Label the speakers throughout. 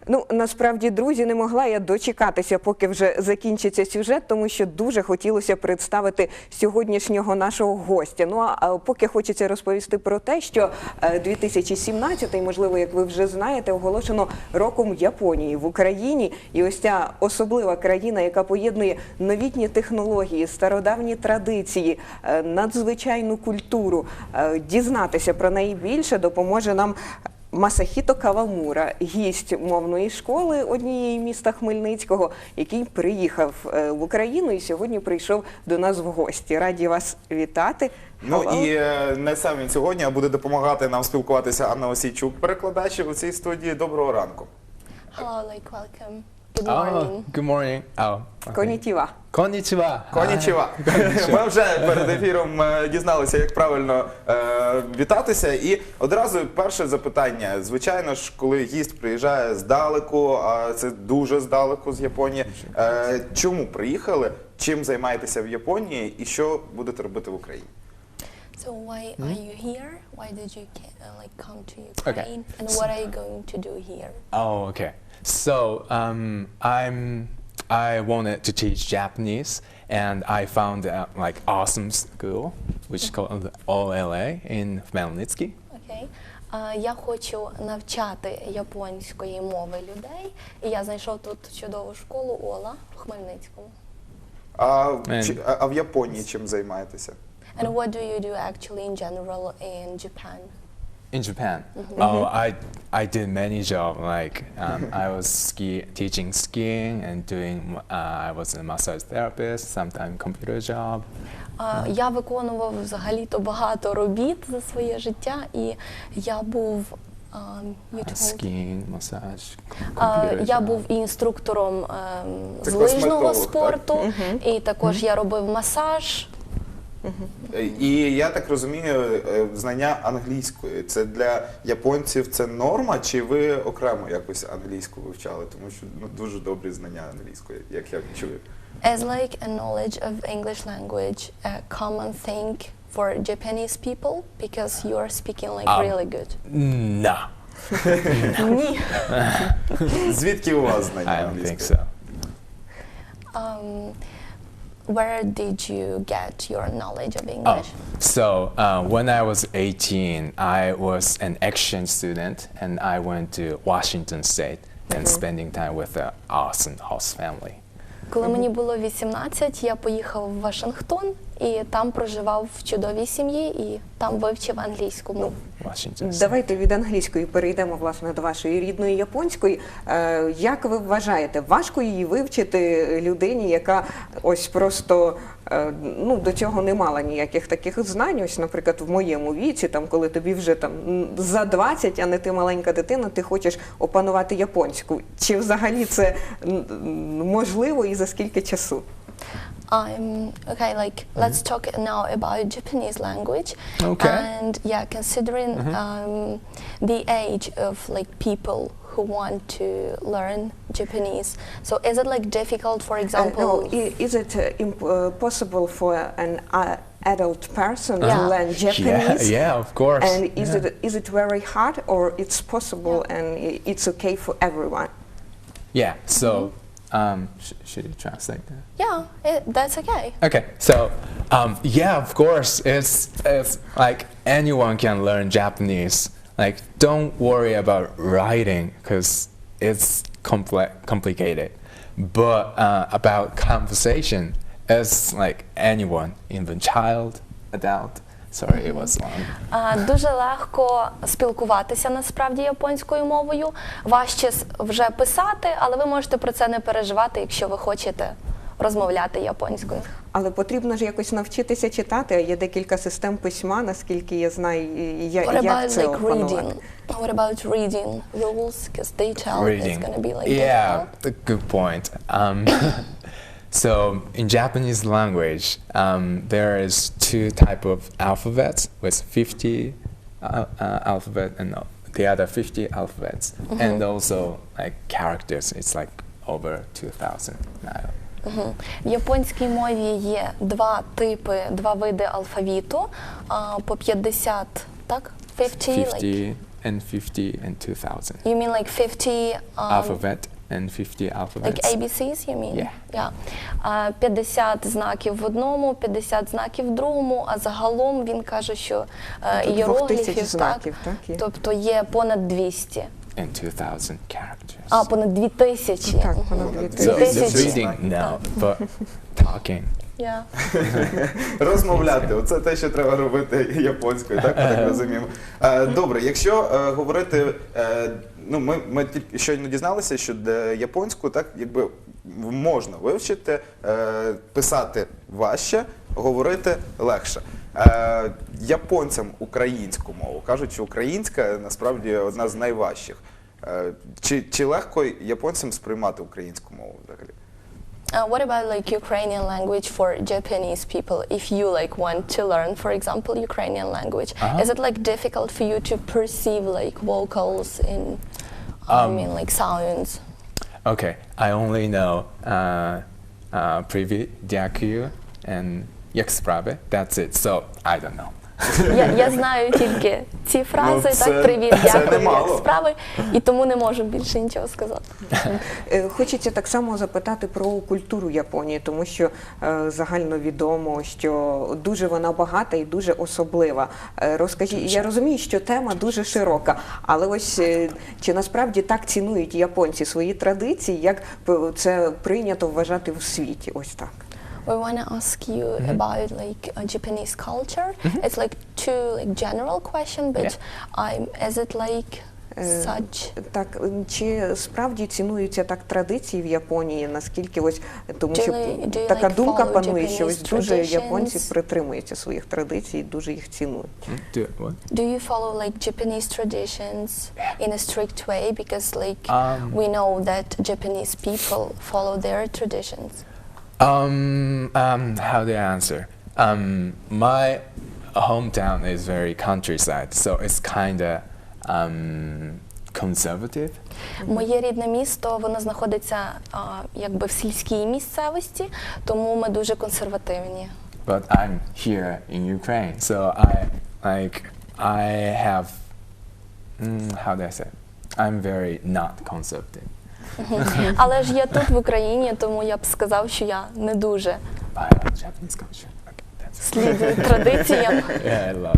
Speaker 1: Ну, насправді, друзі, не могла я дочекатися, поки вже закінчиться сюжет, тому що дуже хотілося представити сьогоднішнього нашого гостя. Ну, а поки хочеться розповісти про те, що 2017, можливо, як ви вже знаєте, оголошено роком Японії в Україні. І ось ця особлива країна, яка поєднує новітні технології, стародавні традиції, надзвичайну культуру. Дізнатися про неї більше допоможе нам Масахіто Кавамура, гість мовної школи однієї міста Хмельницького, який приїхав в Україну і сьогодні прийшов до нас в гості. Раді вас вітати.
Speaker 2: Ну і не сам він сьогодні, а буде допомагати нам спілкуватися Анна Осійчук, перекладач у цій студії. Доброго ранку.
Speaker 3: Hello, welcome. Good morning.
Speaker 4: Good morning.
Speaker 1: Конітіва.
Speaker 4: Конічева.
Speaker 2: Конічева. Ми вже перед ефіром дізналися, як правильно вітатися. І одразу перше запитання. Звичайно ж, коли гість приїжджає здалеку, а це дуже здалеку з Японії, чому приїхали, чим займаєтеся в Японії і що будете робити в Україні?
Speaker 3: So why are you here? Why did you come to Ukraine? And what are you going to do here?
Speaker 4: Oh, okay. So I wanted to teach Japanese, and I found like awesome school, which is called OLA in Khmelnytsky.
Speaker 3: Okay. Я хочу навчати японської мови людей, і я знайшов тут чудову школу ОЛА в Хмельницькому.
Speaker 2: А в Японії чим займаєтеся?
Speaker 3: And what do you do actually in general in Japan?
Speaker 4: In Japan, I did many jobs. Like I was teaching skiing and I was a massage therapist. Sometimes computer job.
Speaker 3: Я виконував взагалі-то багато робіт за своє життя, і я був
Speaker 4: Skiing, massage,
Speaker 3: я був інструктором з
Speaker 2: Це
Speaker 3: лижного
Speaker 2: косметолог,
Speaker 3: спорту, і також я робив масаж.
Speaker 2: І я так розумію, знання англійської, це для японців це норма, чи ви окремо якось англійську вивчали? Тому що дуже добрі знання англійської, як я чую.
Speaker 3: As like a knowledge of English language, a common thing for Japanese people, because you are speaking like really good.
Speaker 4: No.
Speaker 3: Ні.
Speaker 2: Звідки у вас знання
Speaker 4: I don't
Speaker 2: англійської?
Speaker 4: think so.
Speaker 3: Where did you get your knowledge of English?
Speaker 4: So when I was 18, I was an exchange student, and I went to Washington State and spending time with an awesome host family.
Speaker 3: Коли мені було 18, я поїхав в Вашингтон і там проживав в чудовій сім'ї і там вивчив англійську мову.
Speaker 4: Washington State.
Speaker 1: Давайте від англійської перейдемо, власне, до вашої рідної японської. Як ви вважаєте, важко її вивчити людині, яка ось просто до цього не мала ніяких таких знань? Ось, наприклад, в моєму віці, там, коли тобі вже там за 20, а не ти маленька дитина, ти хочеш опанувати японську. Чи взагалі це можливо і за скільки часу?
Speaker 3: Let's talk now about Japanese language.
Speaker 4: Okay.
Speaker 3: And yeah, considering the age of like people who want to learn Japanese, so is it like difficult, for example?
Speaker 1: Is it possible for an adult person to
Speaker 3: Yeah.
Speaker 1: learn Japanese?
Speaker 4: Yeah, of course.
Speaker 1: And is it very hard, or it's possible and it's okay for everyone?
Speaker 4: Yeah. So should you translate that?
Speaker 3: Yeah, that's okay.
Speaker 4: Okay, so yeah, of course, it's like anyone can learn Japanese. Like, don't worry about writing because it's complicated. But about conversation, it's like anyone, even child, adult. Sorry, it was long.
Speaker 3: Дуже легко спілкуватися насправді японською мовою. Важче вже писати, але ви можете про це не переживати, якщо ви хочете розмовляти японською.
Speaker 1: Але потрібно ж якось навчитися читати. Є декілька систем письма, наскільки я знаю, як це опанувати.
Speaker 3: What about reading rules? Because they tell it's going to be like
Speaker 4: Yeah,
Speaker 3: difficult.
Speaker 4: good point. So in Japanese language, there is two type of alphabets with 50 alphabet and the other 50 alphabets, and also like characters. It's like over 2,000 now.
Speaker 3: В японській мові є два види алфавіту, по 50, так? 50,
Speaker 4: 50 and 50 and 2000.
Speaker 3: You mean like 50
Speaker 4: Alphabet and 50 alphabets.
Speaker 3: like ABCs, you mean?
Speaker 4: Yeah.
Speaker 3: 50 знаків в одному, 50 знаків в другому, а загалом він каже, що
Speaker 1: Тут
Speaker 3: іерогліфів,
Speaker 1: 2000 знаків, так, є.
Speaker 3: тобто є понад 200.
Speaker 4: And 2000 characters.
Speaker 3: А, понад 2000.
Speaker 1: Так, понад
Speaker 3: Мгм.
Speaker 1: 2000.
Speaker 4: So
Speaker 3: 2000.
Speaker 4: reading, no, but talking.
Speaker 3: Yeah.
Speaker 2: Розмовляти, оце те, що треба робити японською, так ми так розуміємо. Добре, якщо говорити, ну ми тільки щойно дізналися, що японську так якби можна вивчити, писати важче, говорити легше. Японцям українську мову кажуть, що українська насправді одна з найважчих. Чи легко японцям сприймати українську мову взагалі?
Speaker 3: What about like Ukrainian language for Japanese people? If you like want to learn, for example, Ukrainian language, is it like difficult for you to perceive like vocals in, I mean, like sounds?
Speaker 4: Okay, I only know Привет, дякую, and як справи. That's it. So I don't know.
Speaker 3: Я знаю тільки ці фрази,
Speaker 2: це-
Speaker 3: так, привіт,
Speaker 2: це
Speaker 3: дякую,
Speaker 2: немало.
Speaker 3: як справи, і тому не можу більше нічого сказати.
Speaker 1: Хочеться так само запитати про культуру Японії, тому що загально відомо, що дуже вона багата і дуже особлива. Розкажіть, я розумію, що тема дуже широка, але ось чи насправді так цінують японці свої традиції, як це прийнято вважати в світі? Ось так.
Speaker 3: We want to ask you about like Japanese culture. It's like too like general question, but is it like such?
Speaker 1: Так, чи справді цінуються так традиції в Японії, наскільки ось, тому що
Speaker 3: Do you
Speaker 1: така
Speaker 3: like
Speaker 1: думка
Speaker 3: follow
Speaker 1: панує, що ось
Speaker 3: Japanese
Speaker 1: дуже японці
Speaker 3: traditions?
Speaker 1: притримуються своїх традицій, дуже їх цінують.
Speaker 4: Do what?
Speaker 3: Do you follow like Japanese traditions in a strict way? Because like we know that Japanese people follow their traditions.
Speaker 4: How do I answer? My hometown is very countryside, so it's kind of conservative.
Speaker 3: Моє рідне місто, воно знаходиться якби в сільській місцевості, тому ми дуже консервативні.
Speaker 4: But I'm here in Ukraine, so I have how do I say? I'm very not conservative.
Speaker 3: Але ж я тут в Україні, тому я б сказав, що я не дуже
Speaker 4: I love Japanese culture. Okay, that's it.
Speaker 3: слідую традиціям.
Speaker 4: Yeah, I love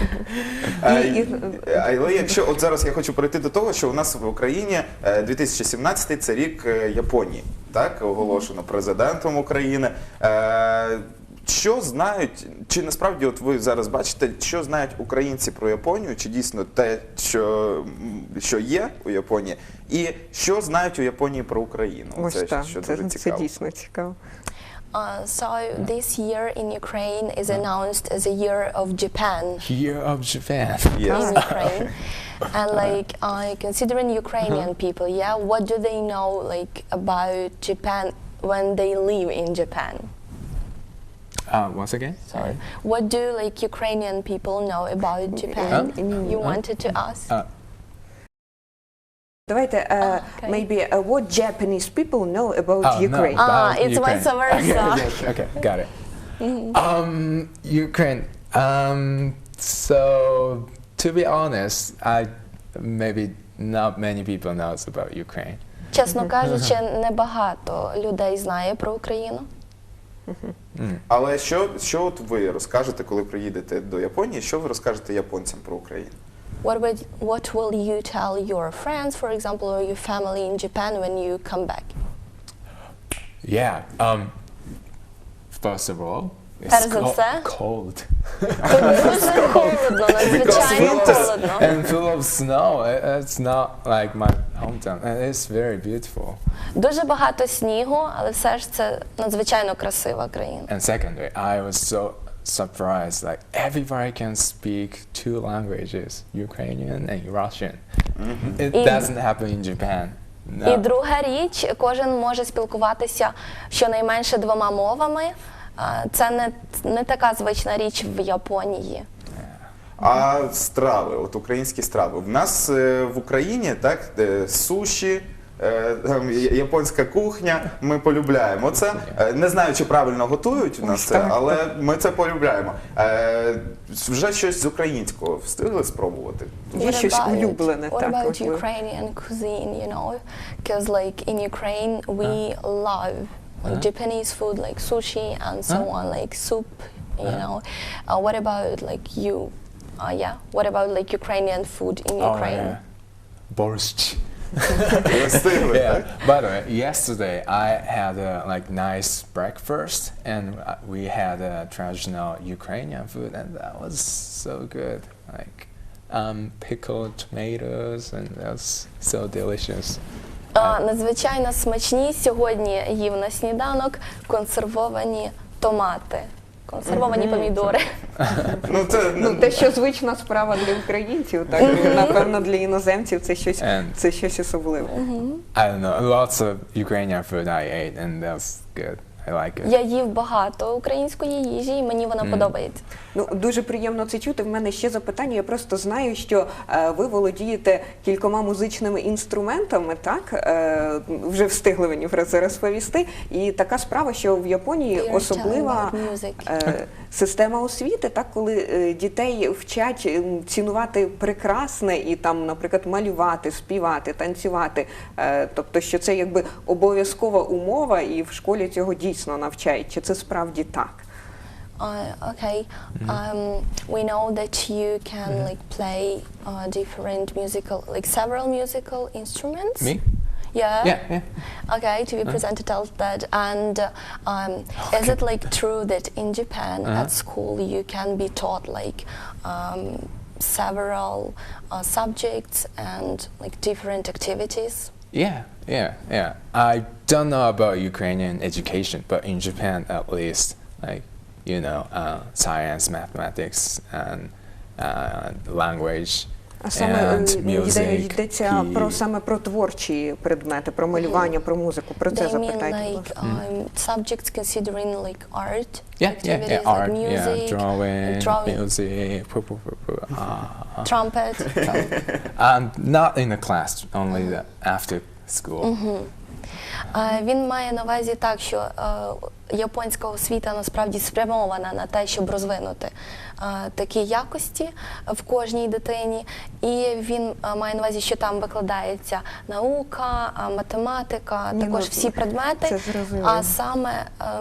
Speaker 4: it.
Speaker 2: Але якщо от зараз я хочу перейти до того, що у нас в Україні 2017 це рік Японії, так оголошено президентом України. Що знають, чи насправді от ви зараз бачите, що знають українці про Японію, чи дійсно те, що є у Японії, і що знають у Японії про Україну?
Speaker 1: Ось так,
Speaker 2: що
Speaker 1: це
Speaker 2: дуже цікаво.
Speaker 1: дійсно цікаво.
Speaker 3: So this year in Ukraine is announced as a year of Japan
Speaker 4: Year of Japan.
Speaker 2: Yes.
Speaker 3: in Ukraine. And like considering Ukrainian people, yeah, what do they know like about Japan when they live in Japan?
Speaker 4: Once again, sorry.
Speaker 3: What do like Ukrainian people know about Japan? You wanted to ask?
Speaker 1: Давайте,
Speaker 3: okay.
Speaker 1: maybe, what Japanese people know about Ukraine?
Speaker 4: No, about
Speaker 3: It's
Speaker 4: Ukraine.
Speaker 3: vice versa.
Speaker 4: Okay, got it. Ukraine. So to be honest, maybe not many people knows about Ukraine.
Speaker 3: Чесно кажучи, небагато людей знає про Україну.
Speaker 2: Але що от ви розкажете, коли приїдете до Японії, що ви розкажете японцям про Україну?
Speaker 3: What will you tell your friends, for example, or your family in Japan when you come back?
Speaker 4: Yeah. First of all,
Speaker 3: Перш
Speaker 4: it's
Speaker 3: за все,
Speaker 4: cold.
Speaker 3: тут дуже холодно, надзвичайно
Speaker 2: winter.
Speaker 3: холодно.
Speaker 4: And full of snow. It's not like my hometown. And it's very beautiful.
Speaker 3: Дуже багато снігу, але все ж це надзвичайно красива країна.
Speaker 4: And secondly, I was so surprised. Like everybody can speak two languages, Ukrainian and Russian. It
Speaker 3: І-
Speaker 4: doesn't happen in Japan.
Speaker 3: І
Speaker 4: No.
Speaker 3: друга річ, кожен може спілкуватися щонайменше двома мовами. Це не така звична річ в Японії.
Speaker 2: А страви, от українські страви. В нас в Україні так суші, там, японська кухня, ми полюбляємо це. Не знаю, чи правильно готують у нас це, але ми це полюбляємо. Вже щось з українського встигли спробувати?
Speaker 1: Є щось улюблене,
Speaker 3: What
Speaker 1: так,
Speaker 3: about
Speaker 1: можливо.
Speaker 3: Ukrainian cuisine, you know? Because like in Ukraine we love like Japanese food like sushi and so on, like soup, you know. What about like you? What about like Ukrainian food in Ukraine?
Speaker 4: Borscht.
Speaker 2: Ви встигли,
Speaker 4: Yeah.
Speaker 2: так?
Speaker 4: By the way, yesterday I had a like nice breakfast, and we had a traditional Ukrainian food, and that was so good. Like pickled tomatoes, and that was so delicious.
Speaker 3: Надзвичайно смачні сьогодні їв на сніданок консервовані томати, консервовані помідори.
Speaker 2: Ну, це,
Speaker 1: Ну, те, що звична справа для українців, так, напевно, для іноземців це щось особливе.
Speaker 4: I don't know, lots of Ukrainian food I ate, and that's good. I like it.
Speaker 3: Я їв багато української їжі, і мені вона подобається.
Speaker 1: Ну, дуже приємно це чути. В мене ще запитання. Я просто знаю, що ви володієте кількома музичними інструментами, так? Вже встигли мені про це розповісти. І така справа, що в Японії
Speaker 3: You're
Speaker 1: особлива
Speaker 3: telling about music.
Speaker 1: система освіти, так, коли дітей вчать цінувати прекрасне і там, наприклад, малювати, співати, танцювати. Тобто, що це якби обов'язкова умова, і в школі цього дійсно навчають. Чи це справді так?
Speaker 3: Okay. We know that you can like play different musical, like several musical instruments.
Speaker 4: Me?
Speaker 3: Yeah.
Speaker 4: Yeah.
Speaker 3: Okay, to be presented as that. And is it like true that in Japan at school you can be taught like several subjects and like different activities?
Speaker 4: Yeah. I don't know about Ukrainian education, but in Japan at least, like, you know, science, mathematics, and language,
Speaker 1: А саме
Speaker 4: and music.
Speaker 1: йдеться саме про творчі предмети, про малювання, про музику. Про це
Speaker 3: They mean
Speaker 1: запитайте.
Speaker 3: like subjects considering like art
Speaker 4: Yeah,
Speaker 3: activities,
Speaker 4: art,
Speaker 3: like music,
Speaker 4: drawing, music,
Speaker 3: trumpet.
Speaker 4: not in the class, only after school.
Speaker 3: Він має на увазі так, що японська освіта насправді спрямована на те, щоб розвинути такі якості в кожній дитині. І він має на увазі, що там викладається наука, математика, також всі предмети.
Speaker 1: це зрозуміло.
Speaker 3: А саме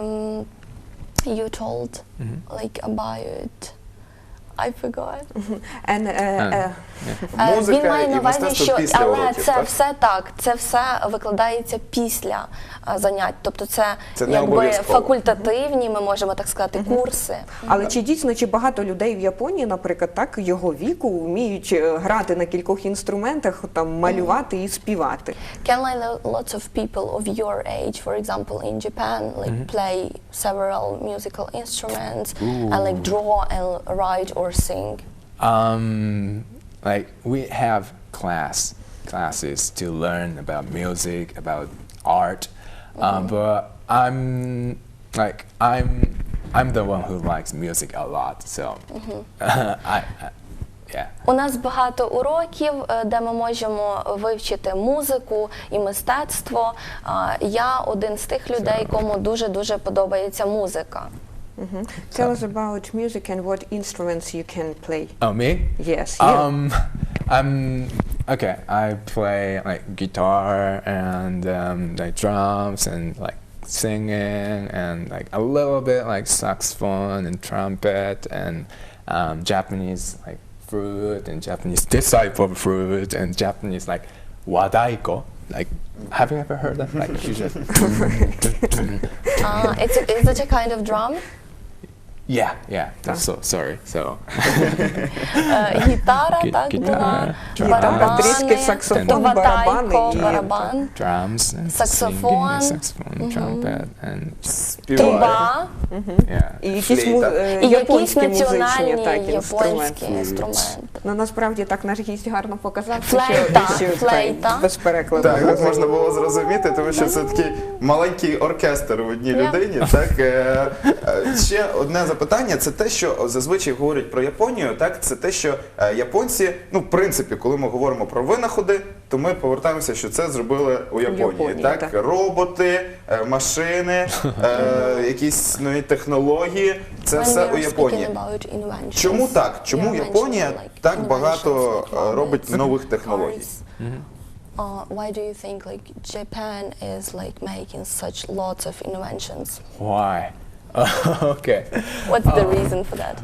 Speaker 3: you told like about I forgot.
Speaker 2: Музика
Speaker 3: Він має
Speaker 2: і
Speaker 3: на увазі,
Speaker 2: мистецтво
Speaker 3: що
Speaker 2: після
Speaker 3: але
Speaker 2: уроків,
Speaker 3: це
Speaker 2: так?
Speaker 3: все так, це все викладається після занять. Тобто це
Speaker 2: Це не
Speaker 3: якби
Speaker 2: обов'язково.
Speaker 3: факультативні, ми можемо так сказати, курси.
Speaker 1: Але чи дійсно, чи багато людей в Японії, наприклад, так, його віку, вміють грати на кількох інструментах, там, малювати і співати?
Speaker 3: Can like lots of people of your age, for example, in Japan, like play several musical instruments and like draw and write or sing?
Speaker 4: Like we have classes to learn about music, about art, but I'm the one who likes music a lot, so yeah.
Speaker 3: У нас багато уроків, де ми можемо вивчити музику і мистецтво. Я один з тих людей, кому дуже-дуже подобається музика.
Speaker 1: Tell us about music and what instruments you can play.
Speaker 4: Oh, me?
Speaker 1: Yes, you.
Speaker 4: Okay. I play like guitar and like drums and like singing and like a little bit like saxophone and trumpet and Japanese like flute and Japanese this type of flute and Japanese like wadaiko. Like, have you ever heard that? Like, you just
Speaker 3: Is it a kind of drum?
Speaker 4: yeah. That's so sorry. So
Speaker 3: Гітара, так,
Speaker 4: Гітара,
Speaker 3: була,
Speaker 1: Гітара, тріски, саксофон, барабани і
Speaker 3: барабан,
Speaker 4: drums and
Speaker 3: Saxophone.
Speaker 4: singing, saxophone, trumpet, and
Speaker 2: Співають.
Speaker 3: труба
Speaker 4: yeah.
Speaker 1: І якісь
Speaker 2: Флейта.
Speaker 3: і якісь
Speaker 1: японські музичні
Speaker 3: національні
Speaker 1: так,
Speaker 3: японські
Speaker 1: інструменти.
Speaker 3: інструменти.
Speaker 1: Ну, насправді так наш гість гарно показав,
Speaker 3: Флейта,
Speaker 1: що
Speaker 3: флейта.
Speaker 1: так, без перекладу.
Speaker 2: Так, можна було зрозуміти, тому що це такий маленький оркестр в одній людині. Так, ще одне запитання, це те, що зазвичай говорять про Японію, так, це те, що японці, ну, в принципі, коли ми говоримо про винаходи, то ми повертаємося, що це зробили у Японії.
Speaker 1: Японії,
Speaker 2: Так?
Speaker 1: так.
Speaker 2: Роботи, машини, якісь нові технології. Це
Speaker 3: When
Speaker 2: все
Speaker 3: we
Speaker 2: у
Speaker 3: are
Speaker 2: Японії.
Speaker 3: speaking about inventions,
Speaker 2: Чому так? Чому
Speaker 3: you are
Speaker 2: Японія
Speaker 3: mentioning, like,
Speaker 2: так
Speaker 3: inventions,
Speaker 2: багато
Speaker 3: like
Speaker 2: робить
Speaker 3: robots,
Speaker 2: нових технологій?
Speaker 3: cars. Why do you think like Japan is like making such lots of inventions?
Speaker 4: Why? Okay.
Speaker 3: What's the reason for that?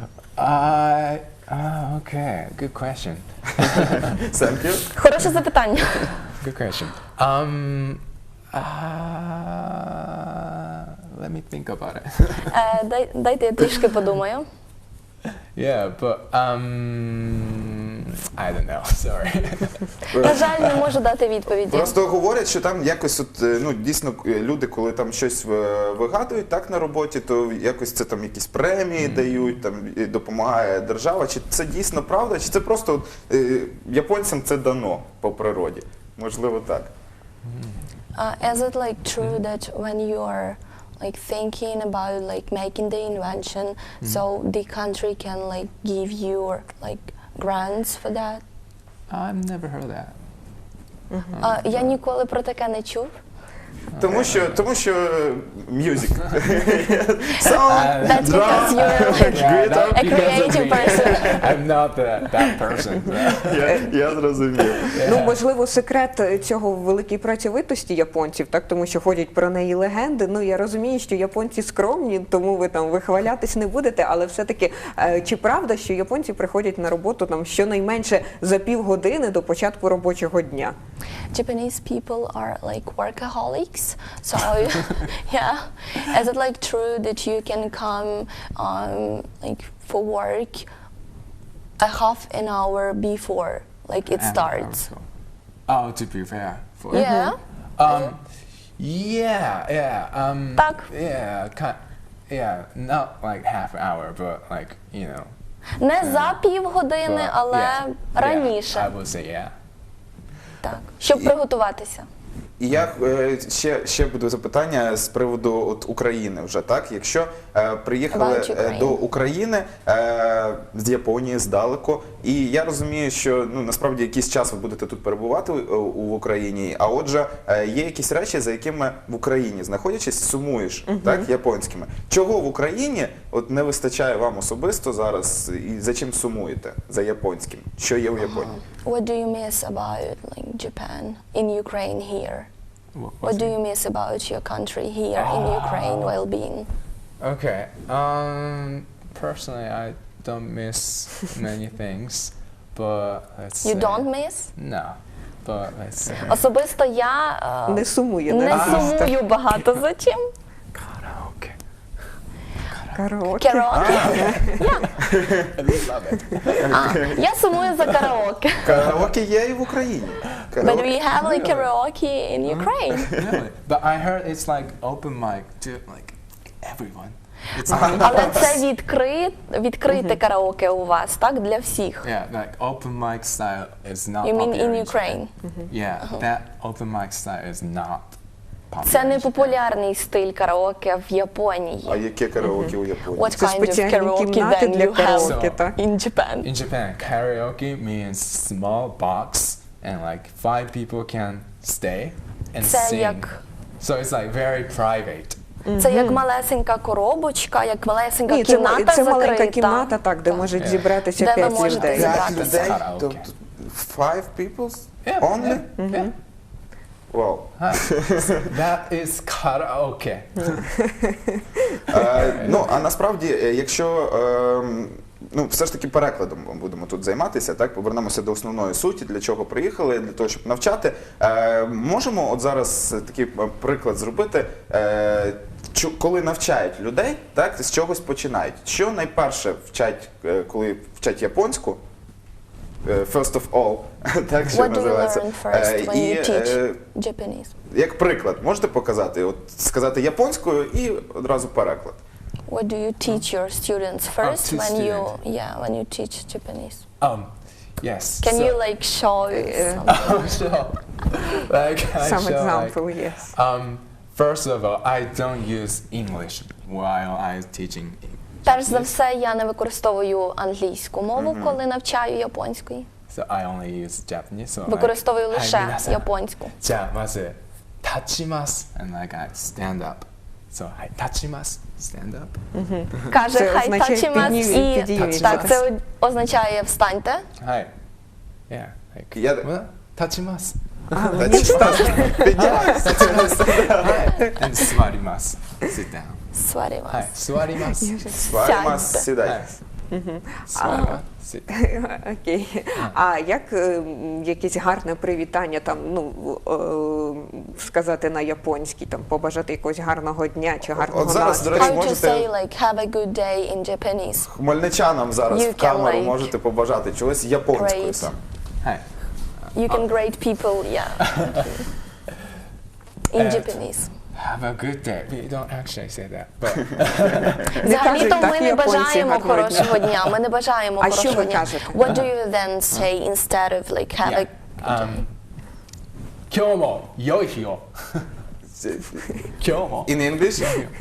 Speaker 4: Okay. Good question.
Speaker 2: Thank you.
Speaker 3: Хороше запитання.
Speaker 4: Good question. Let me think about it.
Speaker 3: Дайте я трішки подумаю.
Speaker 4: Yeah, but I don't know. Sorry.
Speaker 3: На жаль, не можу дати відповіді.
Speaker 2: Просто говорять, що там якось от, ну, дійсно люди, коли там щось вигадують так на роботі, то якось це там якісь премії дають, там і допомагає держава. Чи це дійсно правда, чи це просто от, японцям це дано по природі? Можливо, так.
Speaker 3: Is it like true that when you are like thinking about like making the invention, so the country can like give you like grants for that?
Speaker 4: I've never heard that.
Speaker 3: Я ніколи про таке не чув.
Speaker 2: Тому що music.
Speaker 3: That's because you're like
Speaker 4: Yeah, not
Speaker 3: a
Speaker 4: because of
Speaker 3: creative
Speaker 4: me.
Speaker 3: person.
Speaker 4: I'm not that person.
Speaker 2: Я зрозумів.
Speaker 1: Ну, можливо, секрет цього в великій працьовитості японців, так, тому що ходять про неї легенди. Ну, я розумію, що японці скромні, тому ви там вихвалятись не будете, але все-таки, чи правда, що японці приходять на роботу там щонайменше за півгодини до початку робочого дня?
Speaker 3: Japanese people are like workaholics, so yeah. Is it like true that you can come like for work a half an hour before like it starts?
Speaker 4: Oh, to prepare for it.
Speaker 3: Yeah.
Speaker 4: Yeah.
Speaker 3: Так.
Speaker 4: Yeah, not like half an hour, but like, you know.
Speaker 3: Не за півгодини,
Speaker 4: but,
Speaker 3: але
Speaker 4: yeah,
Speaker 3: раніше.
Speaker 4: I would say yeah.
Speaker 3: Так, щоб приготуватися.
Speaker 2: І я ще буде запитання з приводу от України вже, так? Якщо приїхали
Speaker 3: About Ukraine.
Speaker 2: до України з Японії, здалеку, і я розумію, що ну, насправді якийсь час ви будете тут перебувати в Україні, а отже, є якісь речі, за якими в Україні, знаходячись, сумуєш, так, японськими. Чого в Україні от не вистачає вам особисто зараз, і за чим сумуєте? За японським? Що є у Японії?
Speaker 3: What do you miss about like Japan in Ukraine here? What do you miss about your country here in Ukraine while being?
Speaker 4: Okay. Personally, I don't miss many things, but let's
Speaker 3: You
Speaker 4: say,
Speaker 3: don't miss?
Speaker 4: No, but let's say
Speaker 3: Особисто я
Speaker 1: Не сумує,
Speaker 3: не
Speaker 1: так?
Speaker 3: сумую багато за чим.
Speaker 4: karaoke.
Speaker 1: Караоке.
Speaker 3: Караоке.
Speaker 4: I love it.
Speaker 3: Я сумую за караоке.
Speaker 2: Караоке є і в Україні.
Speaker 3: But we have like karaoke in Ukraine.
Speaker 4: Really? But I heard it's like open mic to like everyone. It's
Speaker 3: Але це відкрите караоке у вас, так? Для всіх.
Speaker 4: yeah, like open mic style is not.
Speaker 3: You mean
Speaker 4: popular
Speaker 3: in
Speaker 4: Japan.
Speaker 3: Ukraine?
Speaker 4: Yeah, that open mic style is not popular.
Speaker 3: Це не
Speaker 4: in Japan.
Speaker 3: популярний стиль караоке в Японії.
Speaker 2: А яке караоке у Японії?
Speaker 3: What
Speaker 1: Це
Speaker 3: kind of
Speaker 1: спеціальні
Speaker 3: karaoke
Speaker 1: кімнати
Speaker 3: then
Speaker 1: для
Speaker 3: you have
Speaker 1: караоке,
Speaker 4: So-
Speaker 1: так?
Speaker 3: in Japan?
Speaker 4: In Japan, karaoke means small box and like 5 people can stay and
Speaker 3: Це
Speaker 4: sing.
Speaker 3: як-
Speaker 4: So it's like very private.
Speaker 3: Це як малесенька коробочка, як малесенька
Speaker 1: Ні,
Speaker 3: кімната
Speaker 1: це маленька
Speaker 3: закрита.
Speaker 1: кімната, так, де можуть зібратися
Speaker 3: Де ви
Speaker 1: 5
Speaker 3: можете
Speaker 1: людей.
Speaker 3: зібратися.
Speaker 2: 5 людей?
Speaker 4: Караоке.
Speaker 2: Тобто 5 people
Speaker 4: Yeah,
Speaker 2: only?
Speaker 4: yeah.
Speaker 2: Вау.
Speaker 4: That is karaoke.
Speaker 2: Ну, а насправді, якщо ну, все ж таки перекладом будемо тут займатися, так, повернемося до основної суті, для чого приїхали, для того, щоб навчати. Можемо от зараз такий приклад зробити, коли навчають людей, так, з чогось починають. Що найперше вчать, коли вчать японську? First of all, так, що
Speaker 3: What do you
Speaker 2: називається.
Speaker 3: learn first when
Speaker 2: І,
Speaker 3: you teach Japanese?
Speaker 2: як приклад, можете показати, от сказати японською і одразу переклад.
Speaker 3: What do you teach your students first
Speaker 4: to
Speaker 3: when you
Speaker 4: students.
Speaker 3: when you teach Japanese?
Speaker 4: Yes.
Speaker 3: Can
Speaker 4: so-
Speaker 3: you like show something?
Speaker 4: Sure. Like I
Speaker 1: Some
Speaker 4: show,
Speaker 1: example,
Speaker 4: like,
Speaker 1: yes.
Speaker 4: First of all, I don't use English while I'm teaching.
Speaker 3: Перш за все, я не використовую англійську мову, коли навчаю японської.
Speaker 4: So I only use Japanese. So
Speaker 3: Використовую
Speaker 4: like,
Speaker 3: лише
Speaker 4: "Hi,皆さん."
Speaker 3: японську.
Speaker 4: じゃあまず立ちます and like I stand up. So はい立ちます stand up.
Speaker 3: Каже,
Speaker 1: Це
Speaker 3: хай
Speaker 1: означає
Speaker 3: тачимас і
Speaker 1: підійміть.
Speaker 3: так, це означає встаньте.
Speaker 4: はい。Yeah. Like,
Speaker 2: Я-
Speaker 4: well, 立ちます。
Speaker 2: Піднімайся.
Speaker 4: はい。And 座ります。sit down.
Speaker 3: сварімас.
Speaker 4: はい。座ります。
Speaker 2: Сваримас,
Speaker 3: Сядьте.
Speaker 2: сідай.
Speaker 4: はい。座ります。sit down.
Speaker 1: Окей. А як якесь гарне привітання там, сказати на японській, там побажати якогось гарного дня чи гарного
Speaker 2: От зараз, до речі,
Speaker 3: How to
Speaker 2: можете
Speaker 3: say like have a good day in Japanese?
Speaker 2: хмельничанам зараз
Speaker 3: You
Speaker 2: в камеру
Speaker 3: can, like,
Speaker 2: можете побажати чогось японською
Speaker 3: great.
Speaker 2: саме.
Speaker 4: はい。
Speaker 3: You can grade people, yeah. In Japanese.
Speaker 4: Have a good day. We don't actually say that, but
Speaker 3: Взагалі-то
Speaker 1: кажуть,
Speaker 3: ми
Speaker 1: так,
Speaker 3: не
Speaker 1: японці,
Speaker 3: бажаємо
Speaker 1: гарного дня.
Speaker 3: хорошого дня. Ми не бажаємо
Speaker 1: А що
Speaker 3: хорошого
Speaker 1: ви
Speaker 3: дня.
Speaker 1: кажете?
Speaker 3: What do you then say instead of like have a
Speaker 4: 今日も良い日を。今日も。
Speaker 2: In English?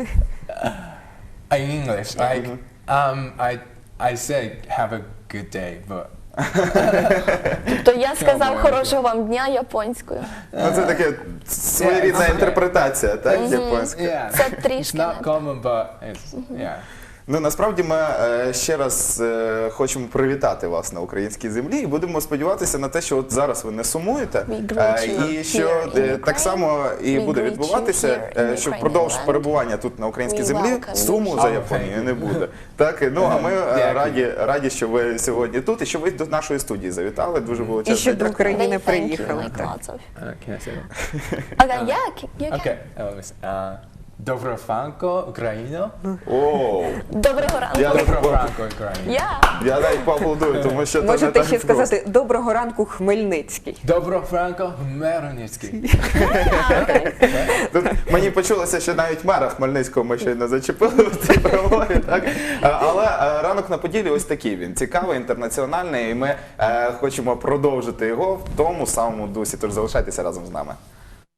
Speaker 4: In English, like I say have a good day, but
Speaker 3: То я сказав хорошого вам дня японською.
Speaker 2: Ну, це таке своєрідна
Speaker 4: Yeah, it's
Speaker 2: інтерпретація, так, японська.
Speaker 4: yeah,
Speaker 3: Це
Speaker 4: it's
Speaker 3: трішки
Speaker 4: not
Speaker 3: не
Speaker 4: common, but it's yeah.
Speaker 2: Ну, насправді ми ще раз хочемо привітати вас на українській землі і будемо сподіватися на те, що от зараз ви не сумуєте,
Speaker 3: We greet you
Speaker 2: і що
Speaker 3: here in
Speaker 2: так
Speaker 3: Ukraine.
Speaker 2: само і
Speaker 3: We
Speaker 2: буде
Speaker 3: greet you
Speaker 2: відбуватися,
Speaker 3: here in
Speaker 2: що
Speaker 3: Ukrainian
Speaker 2: впродовж
Speaker 3: land.
Speaker 2: перебування тут на українській
Speaker 3: We
Speaker 2: землі
Speaker 3: welcome you
Speaker 2: суму за
Speaker 4: here.
Speaker 2: Японією не буде. Так, ну а ми
Speaker 4: Дякую.
Speaker 2: раді, що ви сьогодні тут і що ви до нашої студії завітали. Дуже було
Speaker 1: І
Speaker 2: чесно.
Speaker 1: що до
Speaker 2: Дякую.
Speaker 1: України
Speaker 3: They thank you,
Speaker 1: приїхали.
Speaker 3: like
Speaker 1: так.
Speaker 3: lots of.
Speaker 4: Can I say that?
Speaker 3: Okay, yeah, you can.
Speaker 4: Okay. Let me see. Доброго ранку, Україна.
Speaker 2: О,
Speaker 3: Доброго ранку.
Speaker 4: Доброго ранку, Україна.
Speaker 3: Yeah.
Speaker 2: я навіть поаплодую, тому що це не
Speaker 1: Можете
Speaker 2: так
Speaker 1: ще
Speaker 2: просто.
Speaker 1: сказати доброго ранку, Хмельницький.
Speaker 4: Доброго ранку, Хмельницький.
Speaker 2: Тут мені почулося, що навіть мера Хмельницького ми щойно зачепили в цій промові, так? Але ранок на Поділі ось такий він. Цікавий, інтернаціональний, і ми хочемо продовжити його в тому самому дусі. Тож залишайтеся разом з нами.